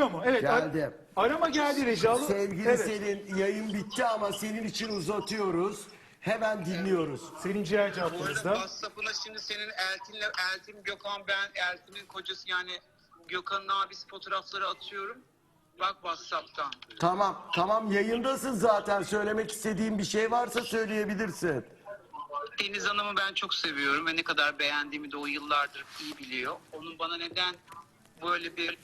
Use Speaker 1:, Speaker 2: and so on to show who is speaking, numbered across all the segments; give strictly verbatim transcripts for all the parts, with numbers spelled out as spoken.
Speaker 1: Geliyor mu? Evet. ar-
Speaker 2: Geldi.
Speaker 1: Arama geldi Recalı.
Speaker 2: Sevgili
Speaker 1: Evet.
Speaker 2: Selin, yayın bitti ama senin için uzatıyoruz. Hemen dinliyoruz.
Speaker 1: Selin Ciğerci
Speaker 3: Bu arada
Speaker 1: hattımızda.
Speaker 3: WhatsApp'ına şimdi senin Eltin'le, Eltin Gökhan ben, Eltin'in kocası yani Gökhan'ın abisi fotoğrafları atıyorum. Bak WhatsApp'tan.
Speaker 2: Tamam, tamam yayındasın zaten. Söylemek istediğin bir şey varsa söyleyebilirsin.
Speaker 3: Deniz Hanım'ı ben çok seviyorum ve ne kadar beğendiğimi de o yıllardır iyi biliyor. Onun bana neden böyle bir,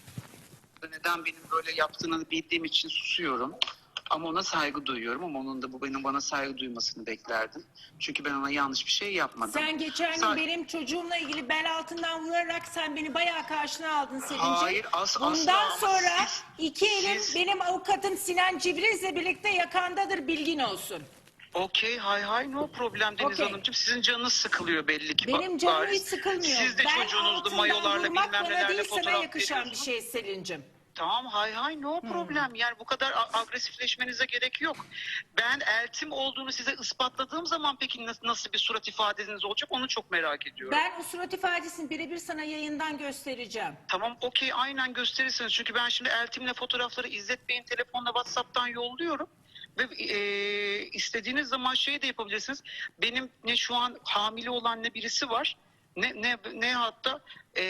Speaker 3: neden benim böyle yaptığını bildiğim için susuyorum. Ama ona saygı duyuyorum ama onun da bu benim bana saygı duymasını beklerdim. Çünkü ben ona yanlış bir şey yapmadım.
Speaker 4: Sen geçen gün
Speaker 3: Sa-
Speaker 4: benim çocuğumla ilgili bel altından vurarak sen beni bayağı karşına aldın Selin'ciğim.
Speaker 3: Hayır, as-
Speaker 4: Bundan
Speaker 3: asla ama
Speaker 4: sonra
Speaker 3: siz-
Speaker 4: iki elim
Speaker 3: siz-
Speaker 4: benim avukatım Sinan Cibriz'le birlikte yakandadır, bilgin olsun.
Speaker 3: Okey, hay hay, no problem Deniz
Speaker 4: Okey.
Speaker 3: Hanımcığım. Sizin canınız sıkılıyor belli ki.
Speaker 4: Benim
Speaker 3: Bak,
Speaker 4: canım
Speaker 3: bariz.
Speaker 4: hiç sıkılmıyor.
Speaker 3: Siz de
Speaker 4: bel
Speaker 3: çocuğunuzla
Speaker 4: altından
Speaker 3: mayolarla
Speaker 4: vurmak
Speaker 3: bilmem
Speaker 4: bana
Speaker 3: nelerle
Speaker 4: değil, sana
Speaker 3: fotoğraf
Speaker 4: yakışan bir
Speaker 3: veriyorsunuz.
Speaker 4: şey Selin'cim.
Speaker 3: Tamam, hay hay, no problem. Yani bu kadar a- agresifleşmenize gerek yok. Ben eltim olduğunu size ispatladığım zaman peki nasıl, nasıl bir surat ifadeniz olacak onu çok merak ediyorum.
Speaker 4: Ben o surat ifadesini birebir sana yayından göstereceğim.
Speaker 3: Tamam, okey, aynen gösterirsiniz. Çünkü ben şimdi eltimle fotoğrafları İzzet Bey'in telefonla WhatsApp'tan yolluyorum. Ve e, istediğiniz zaman şey de yapabilirsiniz. Benim ne şu an hamile olan ne birisi var. Ne ne ne hatta e,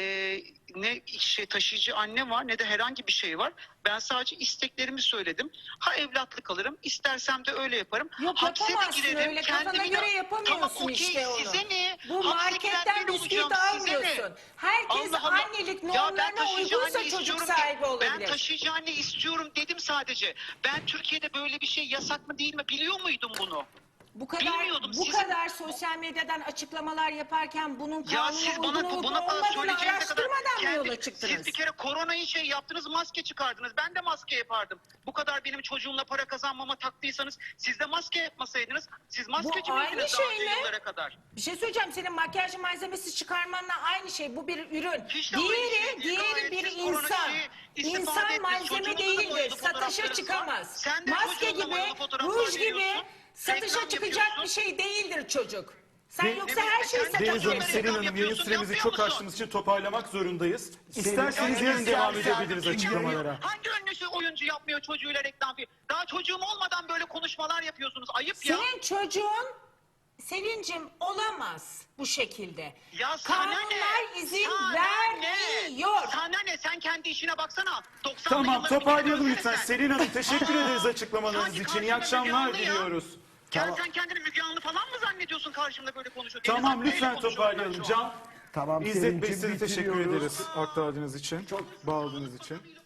Speaker 3: ne şey taşıyıcı anne var ne de herhangi bir şey var. Ben sadece isteklerimi söyledim. Ha evlatlık alırım, istersem de öyle yaparım.
Speaker 4: Yok,
Speaker 3: Hapse de
Speaker 4: yapamazsın
Speaker 3: girerim,
Speaker 4: öyle, kafana
Speaker 3: kendimi de-
Speaker 4: göre yapamıyorsun
Speaker 3: Tamam, okey,
Speaker 4: işte onu.
Speaker 3: size ne?
Speaker 4: Bu
Speaker 3: Hapse
Speaker 4: marketten
Speaker 3: giren ben
Speaker 4: bisküvit
Speaker 3: olacağım, size ne?
Speaker 4: almıyorsun. Herkes
Speaker 3: Allah Allah.
Speaker 4: annelik
Speaker 3: Ya ben
Speaker 4: normlarına
Speaker 3: taşıyıcı
Speaker 4: uygunsa
Speaker 3: anne
Speaker 4: çocuk
Speaker 3: istiyorum
Speaker 4: sahibi
Speaker 3: de-
Speaker 4: olabilir.
Speaker 3: Ben taşıyıcı anne istiyorum dedim sadece. Ben Türkiye'de böyle bir şey yasak mı değil mi biliyor muydum bunu?
Speaker 4: Bu kadar
Speaker 3: Bilmiyordum,
Speaker 4: bu
Speaker 3: sizin-
Speaker 4: kadar sosyal medyadan açıklamalar yaparken bunun
Speaker 3: Ya
Speaker 4: kanuna
Speaker 3: siz
Speaker 4: uygun
Speaker 3: bana
Speaker 4: olup
Speaker 3: buna kadar
Speaker 4: olmadığını
Speaker 3: söyleyeceğinize kadar
Speaker 4: araştırmadan mı
Speaker 3: kendi-
Speaker 4: yola çıktınız?
Speaker 3: siz bir kere koronayı şey yaptınız, maske çıkardınız. Ben de maske yapardım. Bu kadar benim çocuğumla para kazanmama taktıysanız siz de maske yapmasaydınız. Siz maskeci
Speaker 4: aynı
Speaker 3: miydiniz daha
Speaker 4: şey
Speaker 3: önce
Speaker 4: mi?
Speaker 3: yıllara kadar?
Speaker 4: Bir şey söyleyeceğim, senin makyaj malzemesi çıkarmanla aynı şey. Bu bir ürün.
Speaker 3: Hiç de aynı
Speaker 4: diğeri
Speaker 3: şey değil.
Speaker 4: diğeri
Speaker 3: Gayet
Speaker 4: bir
Speaker 3: siz korona
Speaker 4: insan.
Speaker 3: şeyi istifade
Speaker 4: İnsan
Speaker 3: ettiniz.
Speaker 4: malzeme
Speaker 3: Çocuğunuzun da
Speaker 4: değildir.
Speaker 3: boyalı
Speaker 4: Satışa
Speaker 3: fotoğraflarınız var.
Speaker 4: çıkamaz.
Speaker 3: Sen de
Speaker 4: Maske
Speaker 3: çocuğunla
Speaker 4: gibi,
Speaker 3: boyalı fotoğraflar
Speaker 4: ruj gibi
Speaker 3: veriyorsun.
Speaker 4: satışa
Speaker 3: Reklam
Speaker 4: çıkacak
Speaker 3: yapıyorsun.
Speaker 4: bir şey değildir çocuk. Sen
Speaker 1: De-
Speaker 4: yoksa her şeyi
Speaker 3: Deniz
Speaker 4: satın
Speaker 1: Deniz Hanım,
Speaker 3: Reklam
Speaker 1: Selin Hanım, yayın
Speaker 3: yapıyorsun,
Speaker 1: süremizi
Speaker 3: yapıyor
Speaker 1: çok
Speaker 3: musun?
Speaker 1: aştığımız için toparlamak zorundayız. İsterseniz
Speaker 2: Ya,
Speaker 1: yarın devam
Speaker 2: istersen-
Speaker 1: edebiliriz
Speaker 2: Çünkü-
Speaker 1: açıklamalara.
Speaker 3: Hangi ünlüsü oyuncu yapmıyor çocuğuyla reklam filmi? Daha çocuğum olmadan böyle konuşmalar yapıyorsunuz. Ayıp ya.
Speaker 4: Senin çocuğun Selin'cim olamaz bu şekilde.
Speaker 3: Ya sana ne?
Speaker 4: Kanunlar izin
Speaker 3: Sana
Speaker 4: vermiyor.
Speaker 3: Ne? Sana ne? Sen kendi işine baksana. doksanlı
Speaker 1: Tamam,
Speaker 3: yılları
Speaker 1: toparlayalım
Speaker 3: bir
Speaker 1: lütfen.
Speaker 3: sen.
Speaker 1: Selin Hanım, teşekkür
Speaker 3: Aa,
Speaker 1: ederiz açıklamalarınız
Speaker 3: sanki
Speaker 1: için. İyi
Speaker 3: karşımda
Speaker 1: akşamlar
Speaker 3: Müge Anlı ya.
Speaker 1: diliyoruz.
Speaker 3: Sen,
Speaker 2: Tamam.
Speaker 3: sen kendini Müge Anlı falan mı zannediyorsun karşımda böyle konuşuyor? Deniz
Speaker 1: Tamam,
Speaker 3: Hanım neyle
Speaker 1: lütfen
Speaker 3: konuşuyorum
Speaker 1: toparlayalım.
Speaker 3: ben şu an?
Speaker 1: Can,
Speaker 2: Tamam
Speaker 1: İzzet Bey,
Speaker 2: Selin'cim,
Speaker 1: size teşekkür
Speaker 2: bitiriyoruz.
Speaker 1: ederiz aktardığınız için, bağladığınız için.